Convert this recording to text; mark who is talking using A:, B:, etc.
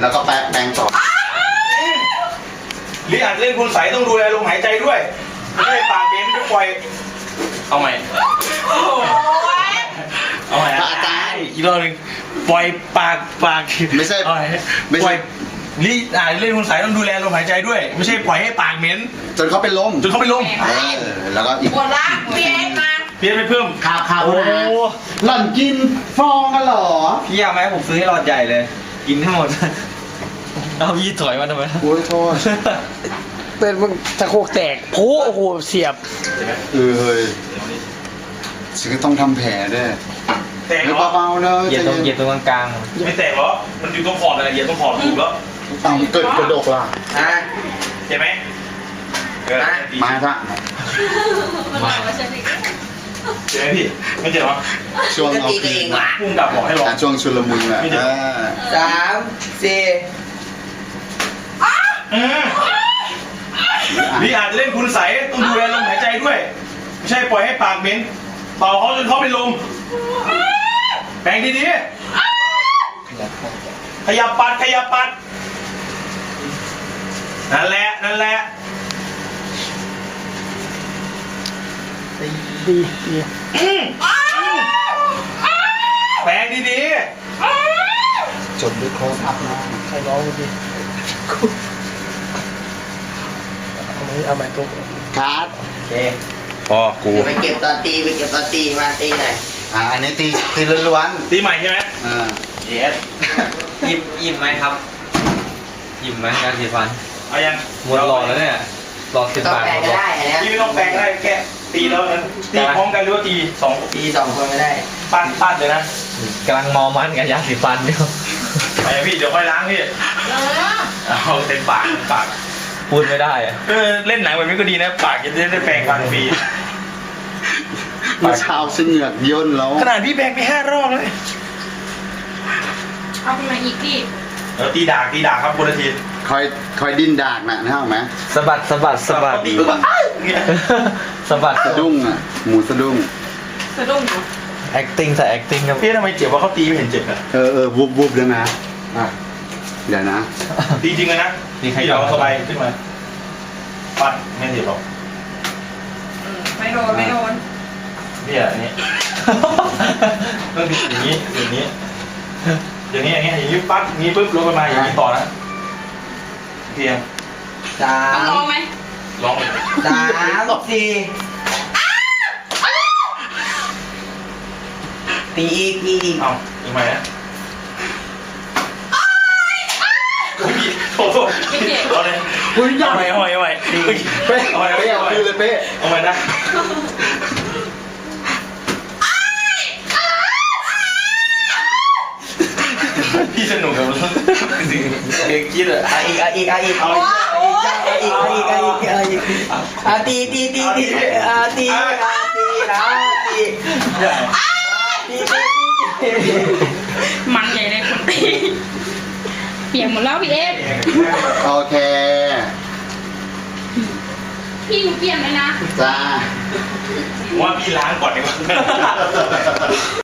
A: แล้วก็แปรงต่อ
B: หรืออาจจะเล่นคุณใสต้องดูแลลมหายใจด้วยไม่ใช่ปากเบนจะปล่อยเอาใหม่เอาใหม่อาจารย์อีกรอบนึงปล่อยปาก
A: ไม่ใช่
B: ปล่อยนี่เล่นคุณใสต้องดูแลลมหายใจด้วยไม่ใช่ปล่อยให้ปากเหม็น
A: จนเขาเป็นลมแล้วก็อีก
C: หมดละเพี้ยนมา
B: เพี้ยนไปเพิ่ม
A: ข่าวหล่อนกินฟองกันหรอ
D: พี่อยากไหมผมซื้อให้หลอดใหญ่เลยกินให้หมดเอาพี่ถอยมาทำไม
A: โอ้ยโทษ
E: เป็นมึงตะโคกแตกโอ้โหเสียบ
A: เฮ้ยฉันก็ต้องทำแผลด้วย
B: แตกเหรอ
A: เบาๆเนอะ
D: เหยียดตรงกลาง
B: ไม่แตกเหรอมันอยู่ตรงขอบอะไรเหยียดตรงขอบถูกแล้ว
A: ต้องเกิดกระดกล่ะ
B: เจ็บไหม
A: มาซะ
B: เจ็บไหมพี่ไม่เจ็บหรอ
A: ช่วงเอาปีน
B: พุ่งกลับบอกให้ลอง
A: ช่วงชุลมุนแหละ
D: 3 4
B: นี่อาจจะเล่นคุณใสต้องดูแลลมหายใจด้วยไม่ใช่ปล่อยให้ปากเหม็นเป่าเขาจนเขาเป็นลมแปรงดีๆขยับปัดนั่นแหละ
E: ดี
B: แปรงดี
A: จดด้วยโค้ดอัพนะ
E: ใครร้องดิเอาใหม่ตุ๊ก
A: คัด
D: โอเค
B: พอกู
D: ไปเก็บตอนตีมาตีหน่อย
A: อันนี้ตีล้วน
B: ตีใหม่ใช่ไหม
D: เยสอิ่มไหมครับอิ่มไหมงานสีฟัน
B: เอายัง
D: หมดหลอดแล้วเนี่ยหลอด10 บาท
C: ก็ได้
B: พี่ไม่ต้องแปลงได้แค่ตีแล้วนั้นตีพร้อมกันหรือว่าตี2
D: คนไม่ได้
B: ปั้นเลยนะ
D: กำลังมอมันกับยาสีฟันอยู่
B: ไปพี่เดี๋ยวค่อยล้างพี่เอาเต็มปาก
D: พูดไม่ได้อะ
B: เล่นหนังแบบนี้ก็ดีนะปากจะได้แปลงฟันฟรี
A: เมื่อเช้าฉันเหงือกย่นแล้ว
B: ขนาดพี่แปลงไป5 รอบเลย
C: เอาไปมาอีกพี่
B: ตีดากครับคนละที
A: คอยดิ้นดากนะนึกออกไหม
D: สะบัด
B: สะบัด
D: สะบัด
A: สะดุ้งอ่ะหมูสะดุ้ง
C: อยู่
D: acting ใส่ acting ครับ
B: พี่ทำไมเจ็บว่าเขาตีไม่เห็นเจ็บอ่ะ
A: วุบเลยนะเดี๋ยวนะ
B: ตีจริงเลยนะพี่เราสบายขึ้นมาปั้นไม่เจ็บหรอก
C: ไม่โดน
B: เนี่ยอันนี้ต้องอย่างนี้ปั๊บนี้ปุ๊บลงมาอย่างนี้ต่อนะเพียง
C: ลองไหม
B: ลอง
D: 3 4ตีอีก
B: เอาอีกไหมนะโทษเอาเลยเอาไปเป๊ะเอาเลยเป๊ะเอาไปนะพี่สนุกกับมันเด็กคิดอ่ะ
D: อีกตีตี
C: มันใหญ่เลยคนตีเปียกหมดแล้วพี่เอฟ
A: โอเค
C: พี่หนูเปลี่ยนเลยนะ
A: จ้า
B: ว่าพี่ล้างก่อนดีกว่า